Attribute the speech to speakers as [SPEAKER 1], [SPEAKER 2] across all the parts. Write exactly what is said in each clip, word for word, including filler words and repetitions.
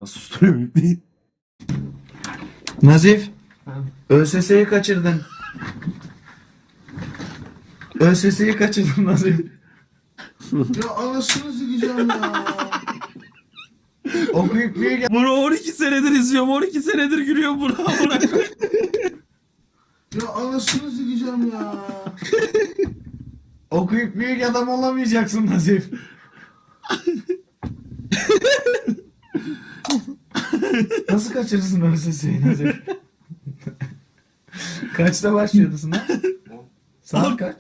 [SPEAKER 1] Nasıl susturuyorum ipneyi?
[SPEAKER 2] Nazif,
[SPEAKER 1] Ha.
[SPEAKER 2] ÖSS'yi kaçırdın. ÖSS'yi kaçırdın Nazif.
[SPEAKER 3] Ya anasını sikeceğim ya.
[SPEAKER 2] Okuyup bir gel.
[SPEAKER 1] Bunu on iki senedir izliyorum. on iki senedir gülüyorum buna. buna.
[SPEAKER 3] Ya anasını sikeceğim ya.
[SPEAKER 2] Okuyup büyük adam olamayacaksın Nazif. Nasıl kaçırırsın ÖSS'yi Nazif? Kaçta başlıyordu sınav? Saat kaç?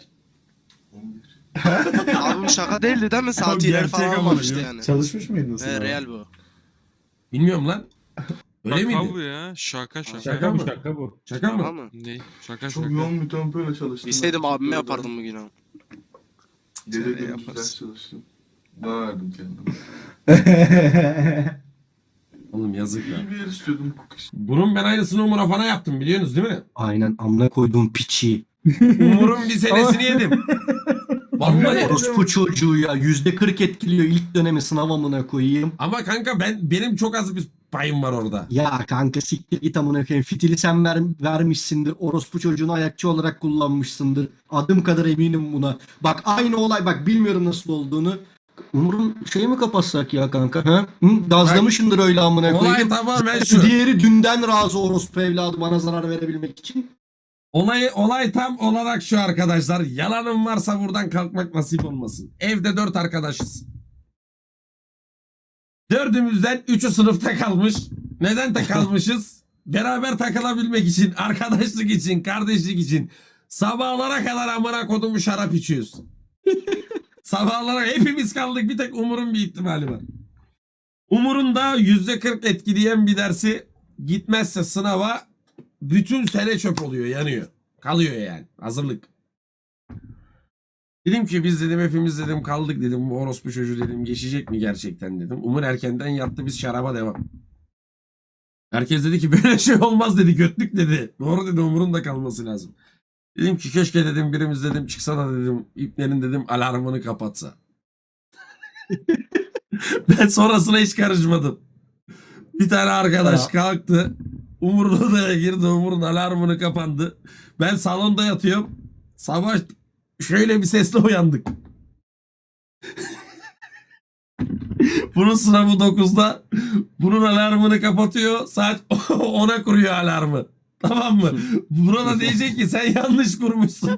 [SPEAKER 4] Abi bu şaka değildi değil mi? Saat ileri
[SPEAKER 1] gerçek
[SPEAKER 4] falan
[SPEAKER 1] ama
[SPEAKER 4] olmamıştı
[SPEAKER 1] ya.
[SPEAKER 4] yani.
[SPEAKER 2] Çalışmış mıydın
[SPEAKER 4] He
[SPEAKER 2] sınava?
[SPEAKER 4] real bu.
[SPEAKER 1] Bilmiyorum lan. Öyle
[SPEAKER 5] Şaka
[SPEAKER 1] miydi?
[SPEAKER 5] bu ya. Şaka şaka.
[SPEAKER 1] Şaka mı?
[SPEAKER 6] Şaka bu.
[SPEAKER 1] Şaka
[SPEAKER 4] Şaka
[SPEAKER 1] mı?
[SPEAKER 4] mı?
[SPEAKER 5] Ne? Şaka
[SPEAKER 3] Çok
[SPEAKER 5] şaka.
[SPEAKER 3] yoğun bir tempoyla çalıştım.
[SPEAKER 4] İsteydim abime
[SPEAKER 3] Teşekkür
[SPEAKER 4] yapardım
[SPEAKER 3] ederim.
[SPEAKER 4] bugün ama.
[SPEAKER 3] Gece
[SPEAKER 4] Sen de
[SPEAKER 3] gündüz
[SPEAKER 4] yaparsın.
[SPEAKER 3] ders çalıştım. Daha verdim kendime.
[SPEAKER 1] Oğlum yazık ya.
[SPEAKER 3] İyi bir yer istiyordum hukuk için.
[SPEAKER 1] Bunun ben aynısını Umur'a falan yaptım biliyorsunuz değil mi?
[SPEAKER 6] Aynen amına koyduğum piçi.
[SPEAKER 1] Umur'un bir senesini yedim. Vallahi.
[SPEAKER 6] Orospu çocuğu ya. Yüzde kırk etkiliyor ilk dönemi sınav amına koyayım.
[SPEAKER 1] Ama kanka ben benim çok az bir payım var orada.
[SPEAKER 6] Ya kanka siktir git amına koyayım. Fitili sen ver, vermişsindir. Orospu çocuğunu ayakçı olarak kullanmışsındır. Adım kadar eminim buna. Bak aynı olay bak bilmiyorum nasıl olduğunu. Umur'un şeyi mi kapatsak ya kanka? Ha? Hı? Gazlamışındır öyle amına
[SPEAKER 1] Olay
[SPEAKER 6] koyayım.
[SPEAKER 1] tamamen şu.
[SPEAKER 6] Diğeri dünden razı orospu evladı bana zarar verebilmek için.
[SPEAKER 1] Olay, olay tam olarak şu arkadaşlar. Yalanım varsa buradan kalkmak nasip olmasın. Evde dört arkadaşız. Dördümüzden üçü sınıfta kalmış. Neden de kalmışız? Beraber takılabilmek için, arkadaşlık için, kardeşlik için. Sabahlara kadar amına kodumu şarap içiyoruz. Sabahlara hepimiz kaldık. Bir tek Umur'un bir ihtimali var. Umur'un da yüzde kırk etkileyen bir dersi gitmezse sınava bütün sene çöp oluyor, yanıyor. Kalıyor yani. Hazırlık. Dedim ki biz dedim hepimiz dedim kaldık dedim. Bu orospu çocuğu dedim geçecek mi gerçekten dedim. Umur erkenden yattı, biz şaraba devam. Herkes dedi ki böyle şey olmaz dedi, götlük dedi. Doğru dedi, Umur'un da kalması lazım. Dedim ki keşke dedim birimiz dedim çıksa da dedim iplerin dedim alarmını kapatsa. Ben sonrasına hiç karışmadım. Bir tane arkadaş
[SPEAKER 6] Ya.
[SPEAKER 1] kalktı. Umur'un odaya girdi. Umur'un alarmını kapandı. Ben salonda yatıyorum. Sabah şöyle bir sesle uyandık. Bunun sınavı dokuzda. Bunun alarmını kapatıyor. Saat ona kuruyor alarmı. Tamam mı? Buna da diyecek ki sen yanlış kurmuşsun.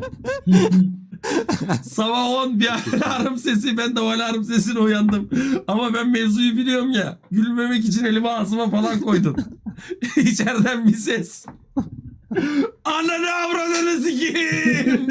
[SPEAKER 1] Sabah on bir alarm sesi, ben de o alarm sesine uyandım. Ama ben mevzuyu biliyorum ya. Gülmemek için elimi ağzıma falan koydum. İçeriden bir ses. Ananı avradını sikeyim.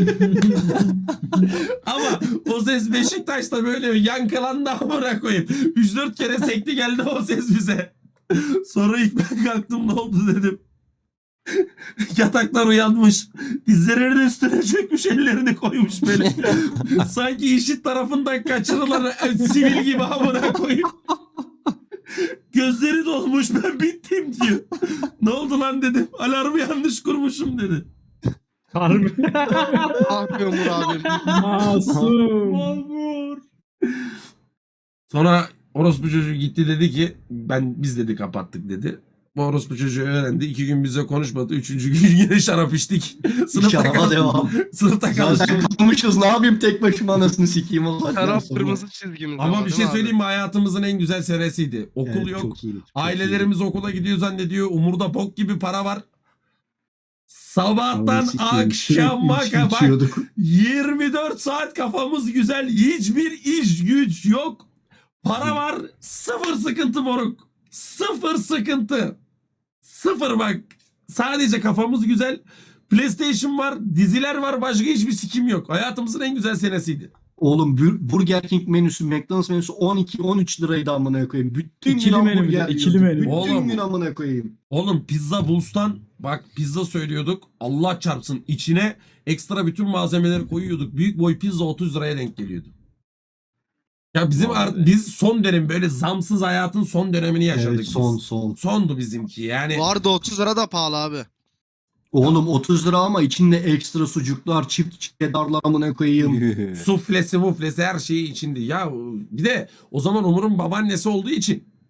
[SPEAKER 1] Ama o ses Beşiktaş'ta böyle yankılandı amına koyayım. üç dört kere sekti geldi o ses bize. Sonra ilk ben kalktım, ne oldu dedim. Yataklar uyanmış. Dizlerinin üstüne çökmüş, ellerini koymuş böyle. Sanki işit tarafından kaçırılan sivil gibi amına koyayım. Gözleri dolmuş, ben bittim diyor. Ne oldu lan dedim. Alarmı yanlış kurmuşum dedi.
[SPEAKER 6] Harbi.
[SPEAKER 4] Ah be Umur abim.
[SPEAKER 6] Masum.
[SPEAKER 1] Mahmur. Sonra orospu çocuğu gitti dedi ki ben biz dedi kapattık dedi. Bu orospu çocuğu öğrendi. İki gün bize konuşmadı. Üçüncü gün yine şarap içtik. Sınıfta
[SPEAKER 6] Şaraba
[SPEAKER 1] kaldık.
[SPEAKER 6] devam.
[SPEAKER 1] Sınıfta kaldık.
[SPEAKER 6] Zaten kalmışız ne yapayım tek başıma anasını sikeyim o zaten
[SPEAKER 4] Şarap
[SPEAKER 6] sonra.
[SPEAKER 4] kırmızı çizgimiz.
[SPEAKER 1] Ama
[SPEAKER 4] ama
[SPEAKER 1] bir
[SPEAKER 4] değil
[SPEAKER 1] şey
[SPEAKER 4] mi abi?
[SPEAKER 1] söyleyeyim mi? Hayatımızın en güzel senesiydi. Okul
[SPEAKER 6] Evet,
[SPEAKER 1] yok.
[SPEAKER 6] çok iyi, çok
[SPEAKER 1] Ailelerimiz okula gidiyor zannediyor. Umurda bok gibi para var.
[SPEAKER 6] iyi.
[SPEAKER 1] Sabahtan
[SPEAKER 6] Anasını sikeyim,
[SPEAKER 1] akşama
[SPEAKER 6] sürekli
[SPEAKER 1] kadar
[SPEAKER 6] içiyorduk.
[SPEAKER 1] yirmi dört saat kafamız güzel. Hiçbir iş güç yok. Para var. Sıfır sıkıntı moruk. Sıfır sıkıntı. Sıfır bak. Sadece kafamız güzel. PlayStation var. Diziler var. Başka hiçbir sikim yok. Hayatımızın en güzel senesiydi.
[SPEAKER 6] Oğlum Bur- Burger King menüsü, McDonald's menüsü on iki on üç liraydı amına koyayım. Bütün
[SPEAKER 7] İkili
[SPEAKER 6] gün
[SPEAKER 7] menü bir de,
[SPEAKER 6] hamburger
[SPEAKER 7] ikili
[SPEAKER 6] yiyorduk.
[SPEAKER 7] menü.
[SPEAKER 6] Bütün
[SPEAKER 1] Oğlum.
[SPEAKER 6] gün amına koyayım.
[SPEAKER 1] Oğlum Pizza Buls'tan bak pizza söylüyorduk. Allah çarpsın içine ekstra bütün malzemeleri koyuyorduk. Büyük boy pizza otuz liraya denk geliyordu. Ya bizim
[SPEAKER 6] Vay
[SPEAKER 1] art-
[SPEAKER 6] be.
[SPEAKER 1] biz son dönem böyle zamsız hayatın son dönemini yaşadık
[SPEAKER 6] Evet
[SPEAKER 1] biz.
[SPEAKER 6] son son.
[SPEAKER 1] Sondu bizimki yani.
[SPEAKER 4] Bu arada otuz lira da pahalı abi.
[SPEAKER 6] Oğlum otuz lira ama içinde ekstra sucuklar, çift cheddarlar amına koyayım.
[SPEAKER 1] Suflesi muflesi her şeyi içindi. Ya bir de o zaman Umur'un babaannesi olduğu için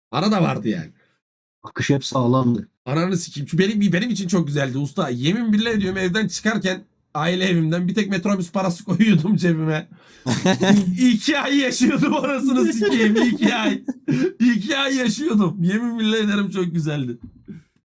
[SPEAKER 1] Para da vardı yani.
[SPEAKER 6] Akış hep sağlamdı.
[SPEAKER 1] Ananı sikeyim. Çünkü benim, benim için çok güzeldi usta. Yemin billah ediyorum evden çıkarken aile evimden bir tek metrobüs parası koyuyordum cebime. İki ay yaşıyordum orasını sikeyim. İki ay. İki ay yaşıyordum. Yemin billah ederim çok güzeldi.